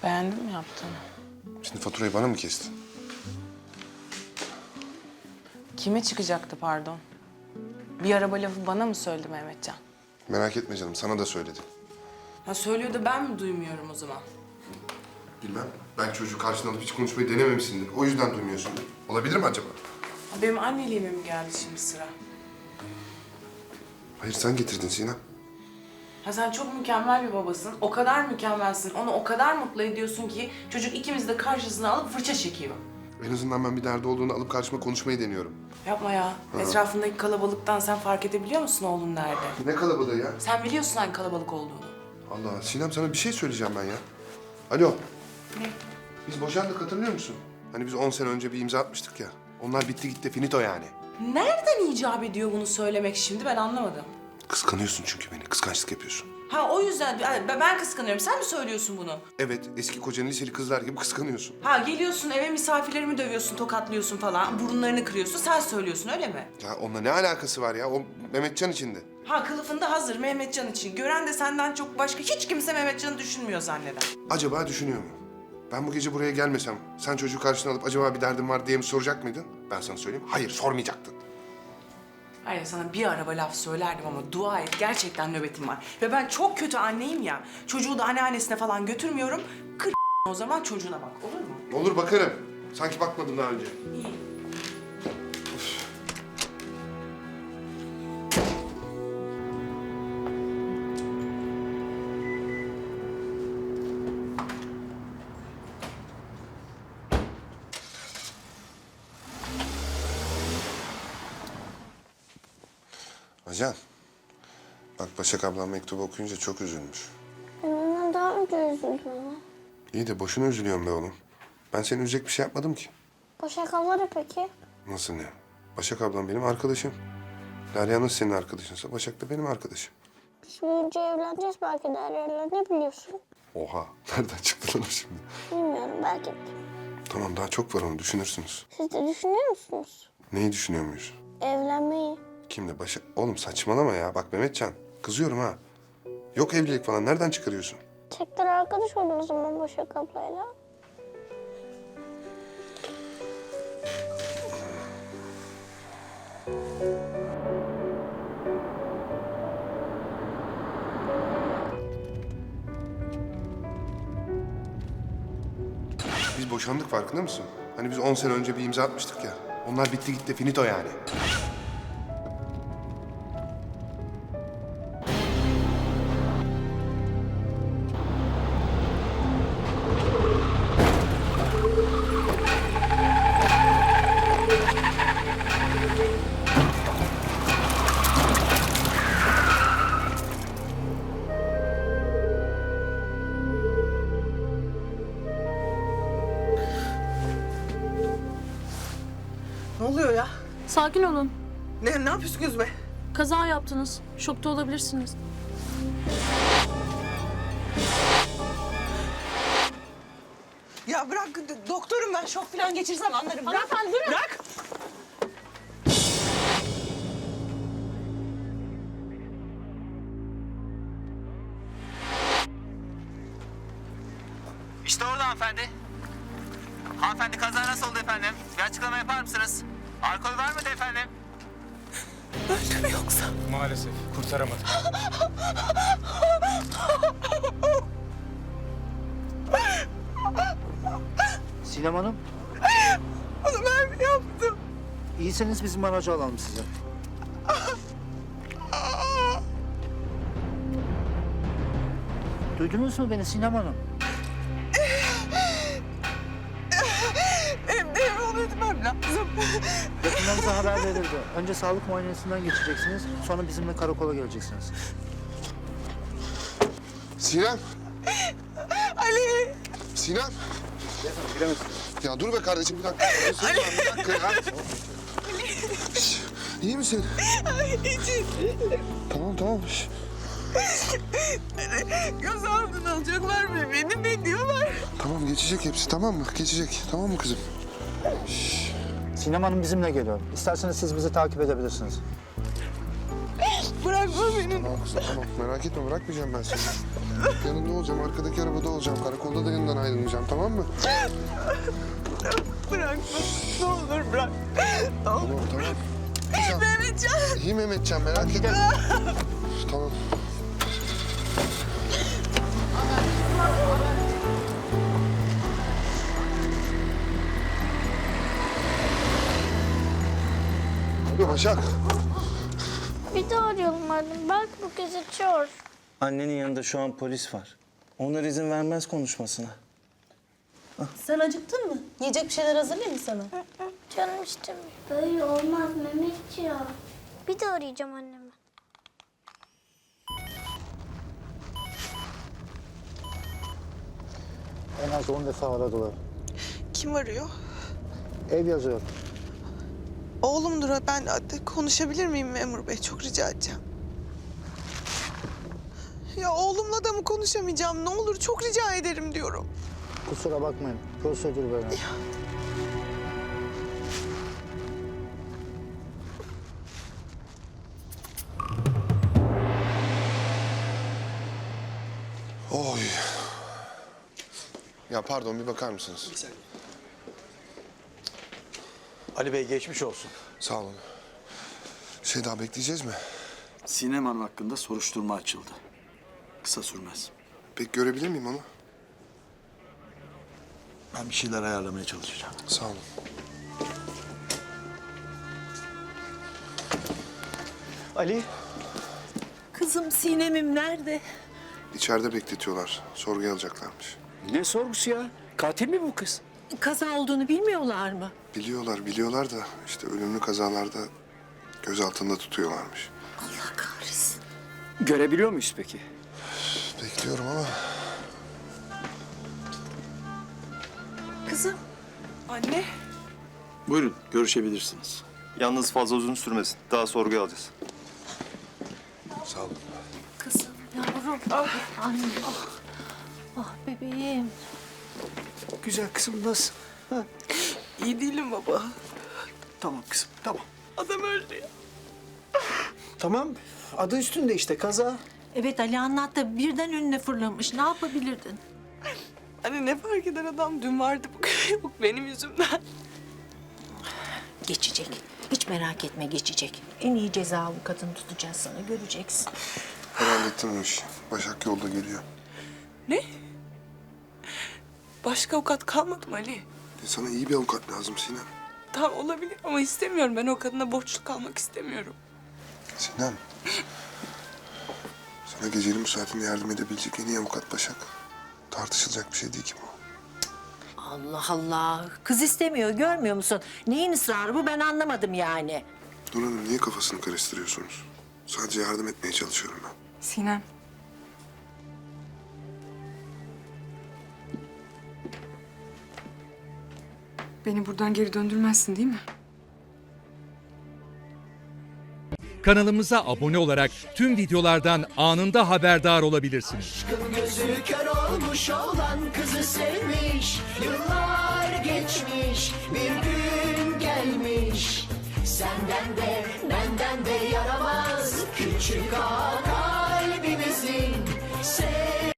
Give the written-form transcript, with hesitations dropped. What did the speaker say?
Beğendin mi yaptığını? Şimdi faturayı bana mı kestin? Kime çıkacaktı pardon? Bir araba lafı bana mı söyledi Mehmetcan? Merak etme canım, sana da söyledim. Ha söylüyor da ben mi duymuyorum o zaman? Bilmem, belki çocuğu karşına alıp hiç konuşmayı denememişsindir. O yüzden duymuyorsundur. Olabilir mi acaba? Ha, benim anneliğime mi geldi şimdi sıra? Hayır, sen getirdin Sinem. Ha sen çok mükemmel bir babasın. O kadar mükemmelsin. Onu o kadar mutlu ediyorsun ki çocuk ikimizi de karşısına alıp fırça çekiyor. En azından ben bir derdi olduğunu alıp karşıma konuşmayı deniyorum. Yapma ya. Etrafındaki kalabalıktan sen fark edebiliyor musun oğlun nerede? Ne kalabalığı ya? Sen biliyorsun hangi kalabalık olduğunu. Allah, Sinem sana bir şey söyleyeceğim ben ya. Alo, Ne? biz boşandık, hatırlıyor musun? Hani biz 10 sene önce bir imza atmıştık ya. Onlar bitti gitti, finito yani. Nereden icap ediyor bunu söylemek şimdi ben anlamadım. Kıskanıyorsun çünkü beni, kıskançlık yapıyorsun. Ha o yüzden ben kıskanıyorum. Sen mi söylüyorsun bunu? Evet, eski kocanı liseli kızlar gibi kıskanıyorsun. Ha geliyorsun eve misafirlerimi dövüyorsun, tokatlıyorsun falan. Burunlarını kırıyorsun. Sen söylüyorsun öyle mi? Ya onunla ne alakası var ya? O Mehmetcan içinde. Ha kılıfında hazır Mehmetcan için. Gören de senden çok başka hiç kimse Mehmetcan'ı düşünmüyor zanneder. Acaba düşünüyor mu? Ben bu gece buraya gelmesem, sen çocuğu karşına alıp acaba bir derdin var diye mi soracak mıydın? Ben sana söyleyeyim, hayır sormayacaktın. Hayır sana bir araba laf söylerdim ama dua et gerçekten nöbetim var. Ve ben çok kötü anneyim ya. Çocuğu da anneannesine falan götürmüyorum. O zaman çocuğuna bak olur mu? Olur bakarım. Sanki bakmadım daha önce. İyi. Ajan, bak Başak ablam mektubu okuyunca çok üzülmüş. Ben daha önce üzüldüm ama. İyi de boşuna üzülüyorum be oğlum. Ben seni üzecek bir şey yapmadım ki. Başak abla ne peki? Nasıl ne? Başak ablam benim arkadaşım. Derya nasıl senin arkadaşınsa Başak da benim arkadaşım. Biz büyüyünce evleneceğiz belki Derya'yla, ne biliyorsun? Oha, nereden çıktı lan o şimdi? Bilmiyorum, belki de. Tamam, daha çok var, onu düşünürsünüz. Siz de düşünüyor musunuz? Neyi düşünüyor muyuz? Evlenmeyi. Kimle? Başak? Oğlum saçmalama ya. Bak Mehmetcan, kızıyorum ha. Yok evlilik falan, nereden çıkarıyorsun? Tekrar arkadaş olun o zaman Başak ablayla. Biz boşandık, farkında mısın? Hani biz 10 sene önce bir imza atmıştık ya. Onlar bitti gitti, finito yani. Ne oluyor ya? Sakin olun. Ne yapıyorsunuz be? Kaza yaptınız. Şokta olabilirsiniz. Ya bırak, doktorum ben. Şok falan geçirsem anlarım. Bırak. Hanımefendi durun. Bırak. İşte orada hanımefendi. Hanımefendi kaza nasıl oldu efendim? Bir açıklama yapar mısınız? Alkol var mıydı efendim? Öldü mü yoksa? Maalesef kurtaramadık. Sinem Hanım, Onu ben mi yaptım? iyiseniz bizim aracı alalım size. Duydunuz mu beni Sinem Hanım? Benim onu ödemem lazım. Yakınlarınıza haber verildi. Önce sağlık muayenesinden geçeceksiniz, sonra bizimle karakola geleceksiniz. Sinem! Ali. Sinem! Ya dur be kardeşim, bir dakika. Bir dakika ya. Şş, İyi misin? İçin. Tamam. Şş. Göz altına alacaklar mı beni? Ne diyorlar? Tamam, geçecek hepsi, tamam mı? Geçecek, tamam mı kızım? Sinem Hanım bizimle geliyor. İsterseniz siz bizi takip edebilirsiniz. Bırakma beni. Tamam kızım, tamam. Merak etme, bırakmayacağım ben seni. Yanında olacağım, arkadaki arabada olacağım. Karakolda da yanından ayrılmayacağım, tamam mı? Bırakma. Ne olur bırak. Tamam, tamam. Mehmetcan. İyi Mehmetcan, merak etme. Tamam. Alo Başak. Bir daha arayalım annem. Belki bu kez açıyor. Annenin yanında şu an polis var. Onlar izin vermez konuşmasına. Sen acıktın mı? Yiyecek bir şeyler hazırlayayım mı sana? Canım istemiyor. Böyle olmaz Mehmetciğim. Bir daha arayacağım annemi. En az 10 defa aradılar. Kim arıyor? Ev yazıyor. Oğlumdur o. Ben konuşabilir miyim memur bey? Çok rica edeceğim. Ya oğlumla da mı konuşamayacağım? Ne olur çok rica ederim diyorum. Kusura bakmayın. Prosedür böyle. Oy. Ya pardon, bir bakar mısınız? Bir saniye. Ali Bey geçmiş olsun. Sağ olun. Daha bekleyeceğiz mi? Sinem Hanım hakkında soruşturma açıldı. Kısa sürmez. Peki görebilir miyim onu? Ben bir şeyler ayarlamaya çalışacağım. Sağ olun. Ali. Kızım Sinem'im nerede? İçeride bekletiyorlar. Sorguya alacaklarmış. Ne sorgusu ya? Katil mi bu kız? Kaza olduğunu bilmiyorlar mı? Biliyorlar da işte ölümlü kazalarda gözaltında tutuyorlarmış. Allah kahretsin. Görebiliyor muyuz peki? Bekliyorum ama Kızım. Anne. Buyurun görüşebilirsiniz. Yalnız fazla uzun sürmesin. Daha sorguya alacağız. sağ olun. Kızım, yavrum. Anne. Ah bebeğim. Güzel kızım nasıl? Ha? İyi değilim baba. Tamam kızım tamam. Adam öldü ya. Tamam adı üstünde işte kaza. Evet Ali anlattı. Birden önüne fırlamış. Ne yapabilirdin? Hani ne fark eder adam? Dün vardı bu benim yüzümden. Geçecek. Hiç merak etme geçecek. En iyi ceza avukatını tutacağız sana. Göreceksin. Ben hallettim o işi. Başak yolda geliyor. Ne? Başka avukat kalmadı mı Ali? Sana iyi bir avukat lazım Sinem. Tamam olabilir ama istemiyorum. Ben o kadına borçlu kalmak istemiyorum. Sinem. Sana gecenin müsaitinde yardım edebilecek en iyi avukat Başak. Tartışılacak bir şey değil ki bu. Allah Allah. Kız istemiyor. Görmüyor musun? Neyin ısrarı bu ben anlamadım yani. Nur Hanım niye kafasını karıştırıyorsunuz? Sadece yardım etmeye çalışıyorum ben. Sinem. Beni buradan geri döndürmezsin değil mi? Kanalımıza abone olarak tüm videolardan anında haberdar olabilirsiniz. Gözü kör olmuş olan kızı sevmiş. Yıllar geçmiş, bir gün gelmiş. Senden de benden de yaramaz küçük ağa kalbimizin.